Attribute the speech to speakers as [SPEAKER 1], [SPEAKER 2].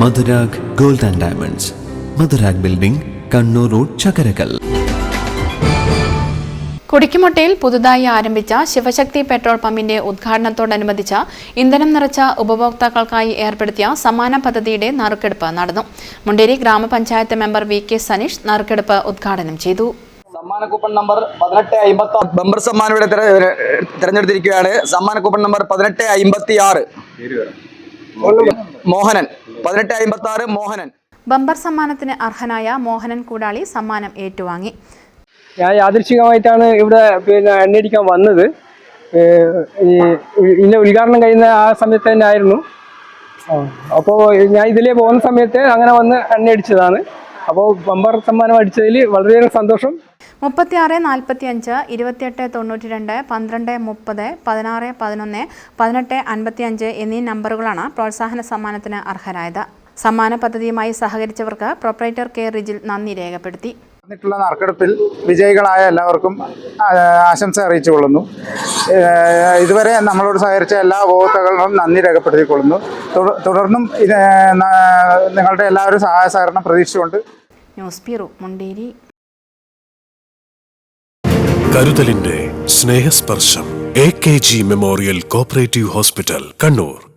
[SPEAKER 1] Madhurag gold and diamonds, Madhurag building, Kannur road, Chakarakal.
[SPEAKER 2] കുടിക്കുമൊട്ടയിൽ പുതുതായി ആരംഭിച്ച ശിവശക്തി പെട്രോൾ പമ്പിന്റെ ഉദ്ഘാടനത്തോടനുബന്ധിച്ച് ഇന്ധനം നിറച്ച ഉപഭോക്താക്കൾക്കായി ഏർപ്പെടുത്തിയ സമ്മാന പദ്ധതിയുടെ നറുക്കെടുപ്പ് നടന്നു. മുണ്ടേരി ഗ്രാമപഞ്ചായത്ത് മെമ്പർ വി.കെ. സനീഷ് നറുക്കെടുപ്പ് ഉദ്ഘാടനം ചെയ്തു.
[SPEAKER 3] സമ്മാന കൂപ്പൺ നമ്പർ 1856 ബമ്പർ സമ്മാനം ഇവിടെ തിരഞ്ഞെടുത്തിരിക്കുകയാണ്. സമ്മാന coupon number 1856 Mohanan. 1856 Mohanan.
[SPEAKER 2] Bumper സമ്മാനത്തിന് അർഹനായ മോഹനൻ കൂടാളി സമ്മാനം ഏറ്റുവാങ്ങി.
[SPEAKER 4] ഞാൻ യാദൃശ്ചികമായിട്ടാണ് ഇവിടെ എണ്ണയടിക്കാൻ വന്നത്. ഇതിൻ്റെ ഉദ്ഘാടനം കഴിയുന്ന ആ സമയത്ത് തന്നെ ആയിരുന്നു. അപ്പോൾ ഞാൻ ഇതിലേ പോകുന്ന സമയത്ത് അങ്ങനെ വന്ന് എണ്ണയടിച്ചതാണ്. അപ്പോൾ ബമ്പർ സമ്മാനം അടിച്ചതിൽ വളരെയേറെ സന്തോഷം.
[SPEAKER 2] 36 45 28 92 12 30 16 11 18 55 എന്നീ നമ്പറുകളാണ് പ്രോത്സാഹന സമ്മാനത്തിന് അർഹരായത്. സമ്മാന പദ്ധതിയുമായി സഹകരിച്ചവർക്ക് പ്രൊപ്പറേറ്റർ കെ റിജിൽ നന്ദി രേഖപ്പെടുത്തി.
[SPEAKER 5] നറുക്കെടുപ്പിൽ വിജയികളായ എല്ലാവർക്കും ആശംസ അറിയിച്ചുകൊള്ളുന്നു. ഇതുവരെ നമ്മളോട് സഹകരിച്ച എല്ലാ ഉപഭോക്താക്കളും നന്ദി രേഖപ്പെടുത്തിക്കൊള്ളുന്നു. തുടർന്നും നിങ്ങളുടെ എല്ലാവരും സഹായ സഹകരണം പ്രതീക്ഷിച്ചുകൊണ്ട്.
[SPEAKER 2] News bureau, Munderi.
[SPEAKER 6] കരുതലിന്റെ സ്നേഹസ്പർശം. AKG memorial cooperative hospital, Kannur.